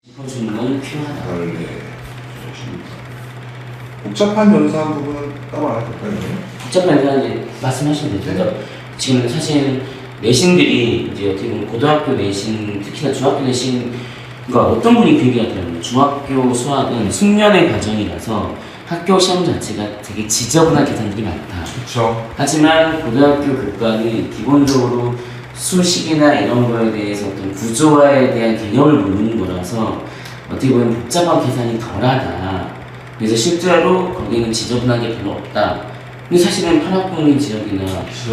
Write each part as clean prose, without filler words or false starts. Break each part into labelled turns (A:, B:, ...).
A: 짚어주는 건 필요하다.
B: 네. 복잡한 연산 부분은 따로 안 해도 될까요?
A: 복잡한 연산이 말씀하시면 되죠. 그러니까 지금 사실 내신들이 이제 어떻게 보면 고등학교 내신, 특히나 중학교 내신, 그러니까 어떤 분이 그 얘기 하더라고요. 중학교 수학은 숙련의 과정이라서 학교 시험 자체가 되게 지저분한 계산들이 많다.
B: 그렇죠.
A: 하지만 고등학교 교과는 기본적으로 수식이나 이런 거에 대해서 어떤 구조화에 대한 개념을 모르는 거라서 어떻게 보면 복잡한 계산이 덜하다. 그래서 실제로 거기는 지저분한 게 별로 없다. 근데 사실은 파락동인 지역이나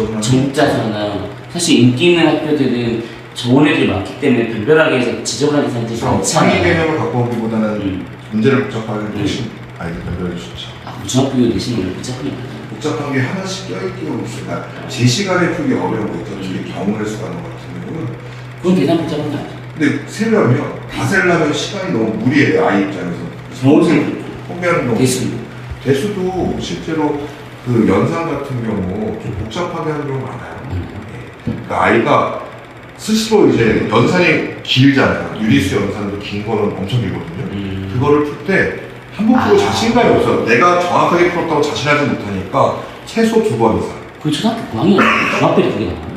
A: 정자사나 사실 인기 있는 학교들은 좋은 애들이 많기 때문에 별별하게 해서 지저분한 계산들이 많잖아요.
B: 상위 개념을 갖고 오기보다는 문제를 복잡하게 대신 아이들 변별해 주죠.
A: 아, 중학교 내신을 복잡하게
B: 복잡한 게 하나씩 껴있기가 없으니까 제 시간에 풀기 어려운 거 있죠. 특히 경우를 수하는 것 같은 경우는.
A: 그건 계산 복잡한 거 아니죠?
B: 근데 세려면 다 세려면 시간이 너무 무리해요. 아이 입장에서.
A: 정원생
B: 포기하는 거.
A: 대수도
B: 실제로 그 연산 같은 경우 좀 복잡하게 하는 경우가 많아요. 그러니까 아이가 스스로 이제 연산이 길잖아요. 유리수 연산도 긴 거는 엄청 길거든요. 그거를 풀 때 한 번 풀고 자신감이 없어요. 내가 정확하게 풀었다고 자신하지 못하니까 최소 2번 이상.
A: 그 초등학교 고학년 중학교에 그게 나와요?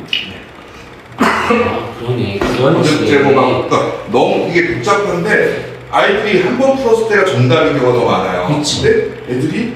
A: 아, 그러네. 그런
B: 제보가 그러니까 너무 이게 복잡한데 아이들이 한 번 풀었을 때가 정답인 경우가 더 많아요.
A: 그렇죠.
B: 근데 애들이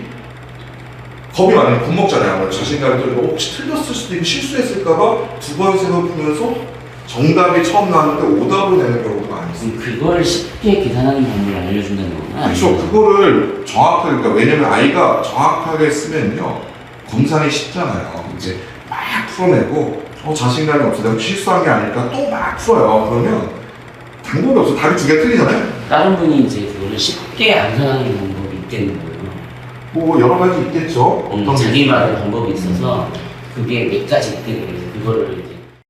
B: 겁이 많으면 겁먹잖아요. 자신감이 떨리고 혹시 틀렸을 수도 있고 실수했을까봐 2번, 3번 풀면서 정답이 처음 나왔는데 오답을 내는 경우도 많이 있어요.
A: 그걸 쉽게 계산하는 방법을 알려준다는 거구나.
B: 그렇죠. 그거를 정확하게, 그러니까 왜냐면 아이가 정확하게 쓰면요 검산이 쉽잖아요. 이제 막 풀어내고 자신감이 없어. 내가 실수한 게 아닐까 또 막 풀어요. 그러면 방법이 없어. 답이 2개 틀리잖아요.
A: 다른 분이 이제 그거를 쉽게 안산하는 방법이 있겠는 거예요.
B: 뭐 여러 가지 있겠죠. 어떤
A: 자기만의 방법이 있어서 그게 몇 가지 있겠는 거예요. 그거를 이제